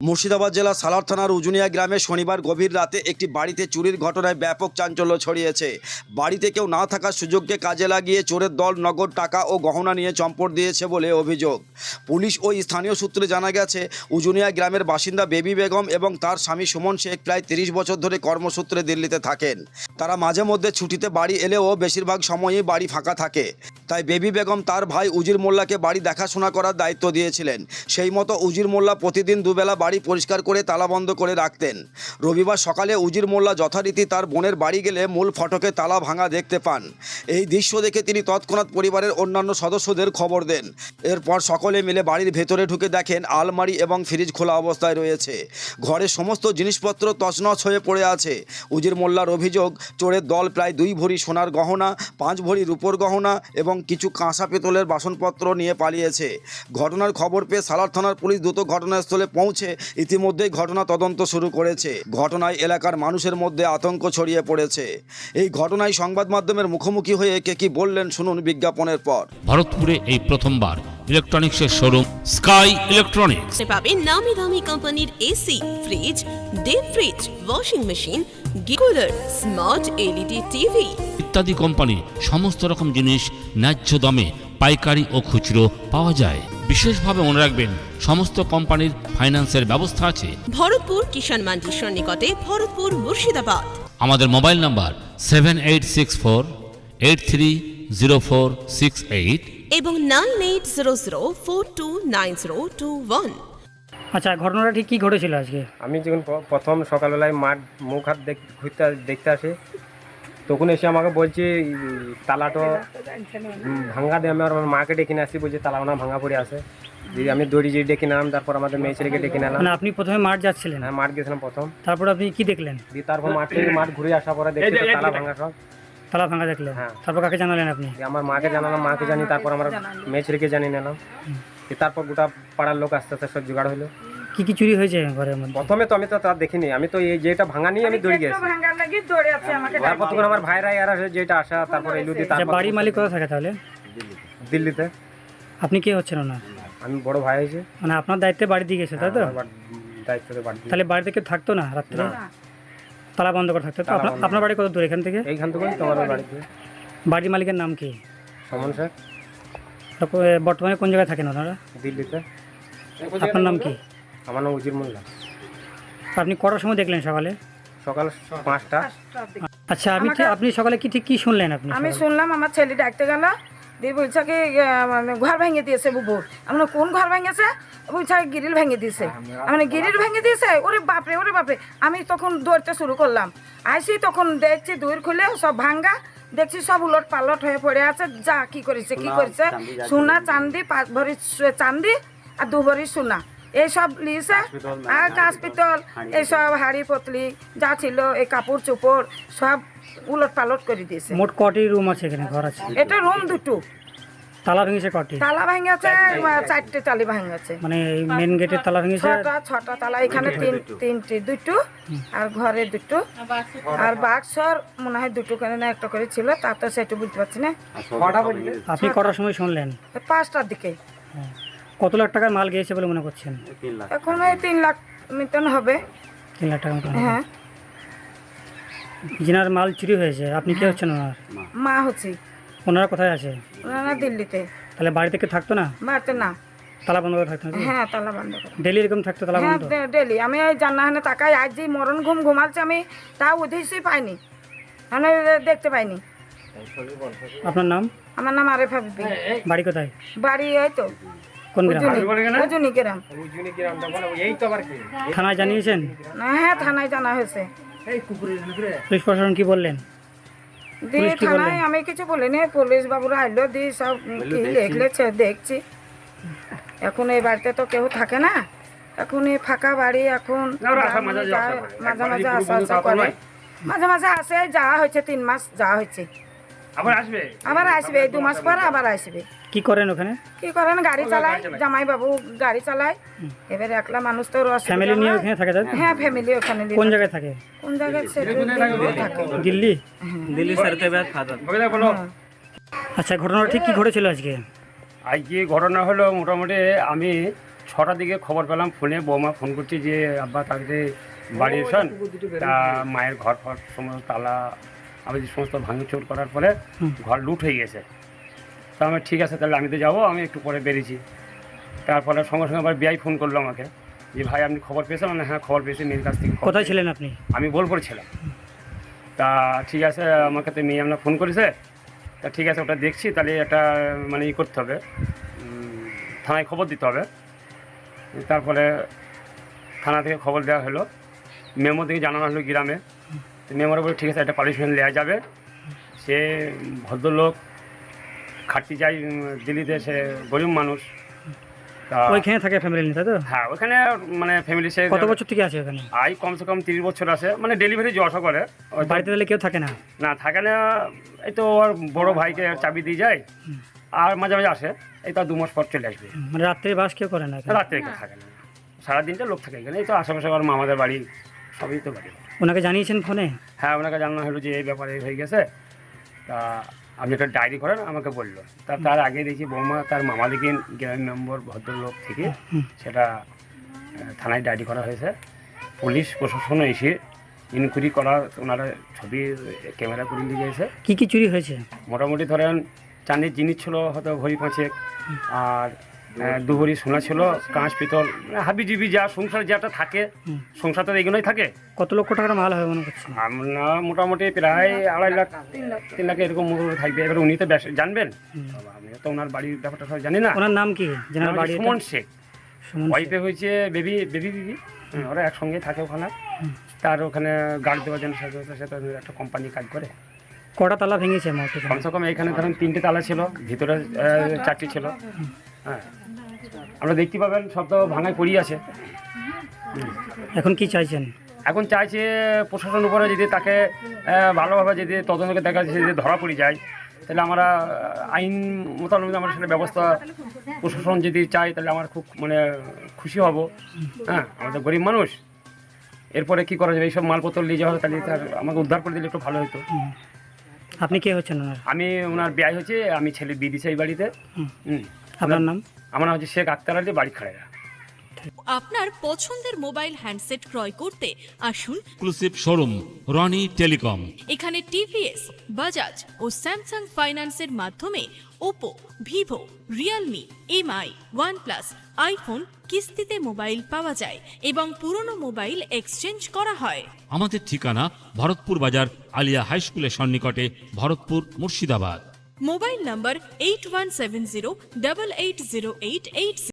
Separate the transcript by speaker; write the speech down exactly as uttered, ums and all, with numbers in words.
Speaker 1: মুর্শিদাবাদ জেলা সালার থানার উজুনিয়া গ্রামে শনিবার গভীর রাতে একটি বাড়িতে চুরির ঘটনায় ব্যাপক চাঞ্চল্য ছড়িয়েছে। বাড়িতে কেউ না থাকার সুযোগকে কাজে লাগিয়ে চোরের দল নগদ টাকা ও গহনা নিয়ে চম্পট দিয়েছে বলে অভিযোগ। পুলিশ ও স্থানীয় সূত্রে জানা গেছে, উজুনিয়া গ্রামের বাসিন্দা বেবি বেগম এবং তার স্বামী সুমন শেখ প্রায় তিরিশ বছর ধরে কর্মসূত্রে দিল্লিতে থাকেন। তারা মাঝে মধ্যে ছুটিতে বাড়ি এলেও বেশিরভাগ সময়ই বাড়ি ফাঁকা থাকে। তাই বেবি বেগম তার ভাই উজির মোল্লাকে বাড়ি দেখাশোনা করার দায়িত্ব দিয়েছিলেন। সেই মতো উজির মোল্লা প্রতিদিন দুবেলা বাড়ি পরিষ্কার করে তালাবন্ধ করে রাখতেন। রবিবার সকালে উজির মোল্লা যথারীতি তার বোনের বাড়ি গেলে মূল ফটকে তালা ভাঙা দেখতে পান। এই দৃশ্য দেখে তিনি তৎক্ষণাৎ পরিবারের অন্যান্য সদস্যদের খবর দেন। এরপর সকলে মিলে বাড়ির ভেতরে ঢুকে দেখেন আলমারি এবং ফ্রিজ খোলা অবস্থায় রয়েছে। ঘরের সমস্ত জিনিসপত্র তছনছ হয়ে পড়ে আছে। উজির মোল্লার অভিযোগ, চোরের দল প্রায় দুই ভরি সোনার গহনা, পাঁচ ভরি রূপোর গহনা এবং কিছু কাঁসা পেতলের বাসনপত্র নিয়ে পালিয়েছে। ঘটনার খবর পেয়ে সালার থানার পুলিশ দ্রুত ঘটনাস্থলে পৌঁছে ইতিমধ্যেই ঘটনা তদন্ত শুরু করেছে। ঘটনায় এলাকার মানুষের মধ্যে আতঙ্ক ছড়িয়ে পড়েছে। এই ঘটনায় সংবাদ মাধ্যমের মুখোমুখি হয়ে কে কি বললেন শুনুন বিজ্ঞাপনের পর।
Speaker 2: ভারতপুরে এই প্রথমবার ইলেকট্রনিক্সের শোরুম স্কাই ইলেকট্রনিক্স
Speaker 3: পাবেন নামি দামি কোম্পানির AC, fridge, deep fridge, washing machine, গিকুলার, স্মার্ট এলইডি টিভি
Speaker 2: ইত্যাদি কোম্পানি সমস্ত রকম জিনিস ন্যায্য দামে পাইকারি ও খুচরো পাওয়া যায়। বিশেষভাবে মনে রাখবেন, সমস্ত কোম্পানির ফাইন্যান্সের ব্যবস্থা আছে।
Speaker 3: ভরতপুর কিষাণ মান্ডির সন্নিকটে, ভরতপুর মুর্শিদাবাদ।
Speaker 2: আমাদের mobile number seven eight six four eight three zero four six eight
Speaker 3: এবং nine eight zero zero four two nine zero two one.
Speaker 4: আচ্ছা, ঘটনাটা ঠিক কী ঘটেছিল আজকে?
Speaker 5: আমি যখন প- প্রথম সকালবেলায় মাঠ মুখ হাত দেখ ঘুরতে দেখতে আসি, তখন এসে আমাকে বলছে উম, তালাটা উম, ভাঙা দিয়ে। আমি আর আমার মাকে ডেকে নিয়ে আসি, বলছি তালা না ভাঙা পড়ে আছে। দিয়ে আমি দড়ি যে ডেকে নিলাম, তারপর আমাদের মেয়ে ছেলেকে ডেকে নিলাম।
Speaker 4: মানে আপনি প্রথমে মাঠ যাচ্ছিলেন,
Speaker 5: হ্যাঁ, মাঠ গেছিলাম প্রথম।
Speaker 4: তারপর আপনি কি দেখলেন?
Speaker 5: দিয়ে তারপর মাঠ থেকে মাঠ ঘুরে আসার পরে দেখছি তো তালা ভাঙা সব।
Speaker 4: তালা ভাঙা দেখলেন?
Speaker 5: হ্যাঁ।
Speaker 4: তারপর কাকে জানালেন আপনি?
Speaker 5: দিয়ে আমার মাকে জানালাম, মাকে জানি, তারপর আমার মেয়ে ছেলেকে জানিয়ে নিলাম। দিয়ে তারপর গোটা পাড়ার লোক আস্তে আস্তে সব জোগাড় হলো।
Speaker 4: কি কি চুরি হয়েছে ঘরের মধ্যে?
Speaker 5: প্রথমে তো আমি তো তার দেখিনি, আমি তো এই যেটা ভাঙা নিয়ে আমি দৌড়ে গেছি। তারপর তখন আমার ভাইরা এরা যেটা আসা, তারপর এলু দিয়ে
Speaker 4: আচ্ছা,
Speaker 5: তারপর
Speaker 4: বাড়ির মালিক কোথায় থাকে তাহলে?
Speaker 5: দিল্লিতে।
Speaker 4: আপনি কে হচ্ছেন ওনার?
Speaker 5: আমি বড় ভাই হয়েছে।
Speaker 4: মানে আপনার দায়িত্বে বাড়ি দিয়ে গেছে, তাই তো?
Speaker 5: দায়িত্বে বাড়ি দিয়ে।
Speaker 4: তাহলে বাড়িতে কেউ থাকতো না রাত্রে?
Speaker 5: না।
Speaker 4: তালা বন্ধ করে থাকতো তো?
Speaker 5: তালা
Speaker 4: আপনার
Speaker 5: বন্ধ।
Speaker 4: আপনার বাড়ি কত দূর এখান থেকে?
Speaker 5: এইখান থেকে তোমার বাড়িতে।
Speaker 4: বাড়ির মালিকের নাম কি?
Speaker 5: সমন স্যার।
Speaker 4: তারপর বর্তমানে কোন জায়গায় থাকেন ওনারা?
Speaker 5: দিল্লিতে।
Speaker 4: আপনার নাম কি?
Speaker 5: আমার নাম উজির মোল্লা।
Speaker 4: আপনি কটার সময় দেখলেন সকালে?
Speaker 5: সকাল পাঁচটা।
Speaker 4: আচ্ছা, আপনি ঠিক- আপনি সকালে কি ঠিক কি শুনলেন আপনি?
Speaker 6: আমি
Speaker 4: সকালে?
Speaker 6: শুনলাম আমার ছেলে ডাকতে গেল, দিয়ে বলছে কি আহ, মানে ঘর ভেঙে দিয়েছে বুবুর। আমরা কোন ঘর ভেঙেছে? বলছে গিরিল ভেঙে দিয়েছে। মানে গিরিল ভেঙে দিয়েছে? ওরে বাপরে, ওরে বাপরে। আমি তখন দৌড়তে শুরু করলাম। আইসি তখন দেখছি দূর খুলে সব ভাঙ্গা, দেখছি সব উলট পালট হয়ে পড়ে আছে। যা কি করেছে কি করেছে, সোনা চান্দি, পাঁচ ভরি সু- চান্দি আর দু ভরি সোনা এইসব লিয়েছে। আর কাঁচ পিতল এইসব হাড়ি পতলি যা ছিল, এই কাপড় চোপড় সব উলট পালট করে দিয়েছে।
Speaker 4: মোট কটি রুম আছে এখানে, ঘর আছে?
Speaker 6: এটা রুম দুটো।
Speaker 4: তালা ভেঙেছে কটি?
Speaker 6: তালা ভেঙেছে চারটে তালি ভেঙেছে।
Speaker 4: মানে মেন গেটের তালা ভেঙেছে?
Speaker 6: ছটা ছটা তালা। এখানে তিন তিনটে দুটো, আর ঘরে দুটো, আর বাক্সর মনে হয় দুটো করে না একটা করে ছিল, তা তো সেটা বুঝতে পারছি না।
Speaker 4: আপনি কটার সময় শুনলেন?
Speaker 6: পাঁচটার দিকে।
Speaker 4: কত লাখ টাকার মাল গিয়েছে বলে মনে করছেন?
Speaker 6: এখন ওই তিন লাখ মতন হবে।
Speaker 4: তিন লাখ টাকা মতো?
Speaker 6: হ্যাঁ।
Speaker 4: যিনার মাল চুরি হয়েছে, আপনি কে হচ্ছেন ওনার?
Speaker 6: মা হচ্ছি।
Speaker 4: ওনারা কোথায় আছে?
Speaker 6: ওনারা দিল্লিতে।
Speaker 4: তাহলে বাড়ি থেকে থাকতো না?
Speaker 6: বাড়িতে না।
Speaker 4: তালা বন্ধ করে থাকতো নাকি?
Speaker 6: হ্যাঁ, তালা বন্ধ করে।
Speaker 4: ডেলি এরকম থাকতো তালা
Speaker 6: হ্যাঁ,
Speaker 4: বন্ধ?
Speaker 6: ডেলি। আমি এই জান্নাহানে তাকাই, আজ যে মরণ ঘুম ঘুমালছে আমি তা উদ্দেশ্যই পাইনি, মানে দেখতে পাইনি।
Speaker 4: আপনার নাম?
Speaker 6: আমার নাম আরেফা বিবি।
Speaker 4: বাড়ি কোথায়?
Speaker 6: বাড়ি এই তো
Speaker 4: কোন গ্রাম?
Speaker 6: উজুনি গ্রাম।
Speaker 5: এই তো আবার কি।
Speaker 4: থানায় জানিয়েছেন?
Speaker 6: হ্যাঁ, থানায় জানা হয়েছে।
Speaker 4: পুলিশ প্রশাসন কি বললেন?
Speaker 6: দিয়ে
Speaker 4: পুলিশ কি
Speaker 6: থানায়
Speaker 4: বললেন?
Speaker 6: আমি কিছু বলিনি, পুলিশ বাবুরা আইলো, দিয়ে সব কি লিখলেছে দেখছি। এখন এই বাড়িতে তো কেউ থাকে না, এখন এই ফাঁকা বাড়ি। এখন যায়, মাঝে মাঝে আসা আসা করে, মাঝে মাঝে আসে। যাওয়া হয়েছে তিন মাস যাওয়া হয়েছে,
Speaker 5: আবার আসবে।
Speaker 6: আবার আসবে দু মাস পর আবার আসবে।
Speaker 4: কি করেন ওখানে?
Speaker 6: কি করেন? গাড়ি চালায়, জামাই বাবু গাড়ি চালায়। এবার একলা মানুষ তো অসুবিধা
Speaker 4: ফ্যামিলি নিয়ে
Speaker 6: হয়।
Speaker 4: ওখানে থাকে তাই তো?
Speaker 6: হ্যাঁ, ফ্যামিলি ওখানে নিয়ে
Speaker 4: কোন
Speaker 6: থাকে।
Speaker 4: জায়গায় থাকে?
Speaker 6: কোন জায়গায় সেটা দিল্লিতে থাকে।
Speaker 4: দিল্লি?
Speaker 5: দিল্লি স্যারকে বলো।
Speaker 4: আচ্ছা, ঘটনাটা ঠিক কি ঘটেছিল আজকে?
Speaker 7: আজকে ঘটনা হলো, মোটামুটি আমি ছটার দিকে খবর পেলাম ফোনে, বৌমা ফোন করছে যে আব্বা তাড়াতাড়ি বাড়ি এসন, তা মায়ের ঘর ফর সমস্ত তালা আমি যে সমস্ত ভাঙচুর করার পরে ঘর লুট হয়ে গেছে। তা আমি ঠিক আছে তাহলে আমি তো যাবো, আমি একটু পরে বেরিয়েছি। তারপরে সঙ্গে সঙ্গে আবার বিআই ফোন করলো আমাকে যে ভাই আপনি খবর পেয়েছেন? মানে হ্যাঁ খবর পেয়েছি, মেয়ের কাছ থেকে খবর
Speaker 4: কোথায়
Speaker 7: পেয়েছি।
Speaker 4: ছিলেন আপনি?
Speaker 7: আমি বোলপুরে ছিলাম। তা ঠিক আছে, আমাকে তো মেয়ে আপনার ফোন করেছে, তা ঠিক আছে ওটা দেখছি, তাহলে একটা মানে ই করতে হবে, উম, থানায় খবর দিতে হবে। তারপরে থানা থেকে খবর দেওয়া হলো, মেমো থেকে জানানো হলো গ্রামে। মেমোর বলে ঠিক আছে একটা পানিশমেন্ট নেওয়া যাবে। সে ভদ্রলোক খাটতে যায় উম, দিল্লিতে, সে গরিব মানুষ। তা
Speaker 4: ওইখানে থাকে ফ্যামিলি নিয়ে, তাই তো?
Speaker 7: হ্যাঁ ওখানে মানে ফ্যামিলি সে
Speaker 4: কত বছর থেকে আছে ওখানে?
Speaker 7: আই কমসে কম তিরিশ বছর আছে, মানে ডেলিভারি যে আশা করে। হয়তো
Speaker 4: বাড়িতে তাহলে কেউ থাকে না?
Speaker 7: না থাকে না, এই তো ওর বড় ভাইকে চাবি দিয়ে যায়, আর মাঝে মাঝে আসে, এই তো দু মাস পর চলে আসবে।
Speaker 4: মানে রাত্রে বাস কেউ করে না এখানে?
Speaker 7: রাত্রে কেউ থাকে না, সারাদিনটা লোক থাকে এখানে। এই তো আশেপাশে আমার মামাদের বাড়ি, সবই তো বাড়ি।
Speaker 4: ওনাকে জানিয়েছেন ফোনে?
Speaker 7: হ্যাঁ ওনাকে জানানো হলো যে এই ব্যাপারে হয়ে গেছে, তা আপনি একটা ডায়েরি করেন, আমাকে বললো। তা তার আগে দেখি বৌমা তার মামা দিকে গ্রামের মেম্বার ভদ্রলোক থেকে সেটা আহ, থানায় ডায়েরি করা হয়েছে। পুলিশ প্রশাসন এসে ইনকোয়ারি করা, ওনারা ছবি ক্যামেরা করে নিয়ে গিয়েছে।
Speaker 4: কি কি চুরি হয়েছে?
Speaker 7: মোটামুটি ধরেন চাঁদির জিনিস ছিল হয়তো ভরি পাঁচেক, আর আহ, দু ভরি সোনা ছিল, কাঁচ পিতল, মানে হাবি জিবি যা সংসার যেটা থাকে, সংসার তো এগুলোই থাকে।
Speaker 4: কত লক্ষ টাকার মাল হবে মনে করছেন?
Speaker 7: আমরা মোটামুটি প্রায় আড়াই লাখ তিন লাখ এরকম মোটামুটি থাকবে। এবার উনি তো বেশ- জানবেন, আমি তো ওনার বাড়ির ব্যাপারটা সব জানি না।
Speaker 4: ওনার নাম কি? যেনার বাড়ি?
Speaker 7: সুমন শেখ,
Speaker 4: সুমন শেখ।
Speaker 7: ওয়াইফে হয়েছে বেবি বেবি দিদি, ওরা একসঙ্গে থাকে ওখানে। তার ওখানে গার্ড দেওয়ার জন্য সাথে সাথে সাথে একটা কোম্পানি কাজ করে।
Speaker 4: কটা তালা ভেঙেছে মার্কেটে?
Speaker 7: কমসে কম এখানে ধরেন তিনটে তালা ছিল, ভিতরে আহ, চারটি ছিল। হ্যাঁ আমরা দেখতে পাবেন সব তো ভাঙায় পড়িয়ে আছে।
Speaker 4: এখন কি চাইছেন?
Speaker 7: এখন চাইছে প্রশাসন উপরে যদি তাকে আহ, ভালোভাবে যদি তদন্তকে দেখা যাচ্ছে যদি ধরা পড়ে যায়, তাহলে আমরা আহ, আইন মোতাবেক আমরা সেটা ব্যবস্থা প্রশাসন যদি চাই, তাহলে আমার খুব মানে খুশি হব। হ্যাঁ আমাদের গরিব মানুষ, এরপরে কি করা যাবে, এইসব মালপত্র নিয়ে যাওয়া হবে, তাহলে তার আমাকে উদ্ধার করে দিলে একটু ভালো হতো।
Speaker 4: আপনি কে হচ্ছেন ওনার?
Speaker 7: আমি ওনার বিয়ে হয়েছে, আমি ছেলে বিয়ে দিয়েছি এই বাড়িতে। হুম।
Speaker 4: আপনার নাম?
Speaker 7: আমার নাম হচ্ছে শেখ আক্তার আলী, বাড়ি খাড়েরা।
Speaker 8: আপনার পছন্দের মোবাইল হ্যান্ডসেট ক্রয় করতে আসুন
Speaker 2: এক্সক্লুসিভ শোরুম রনি টেলিকম।
Speaker 8: এখানে টিভিএস, বাজাজ ও স্যামসাং ফাইন্যান্সের মাধ্যমে Oppo, Vivo, Realme, MI, OnePlus, iPhone কিস্তিতে মোবাইল পাওয়া যায় এবং পুরনো মোবাইল এক্সচেঞ্জ করা হয়।
Speaker 2: আমাদের ঠিকানা ভরতপুর বাজার আলিয়া হাই স্কুলের সন্নিকটে, Bharatpur, Murshidabad.
Speaker 8: Mobile number eight one seven zero double eight zero eight eight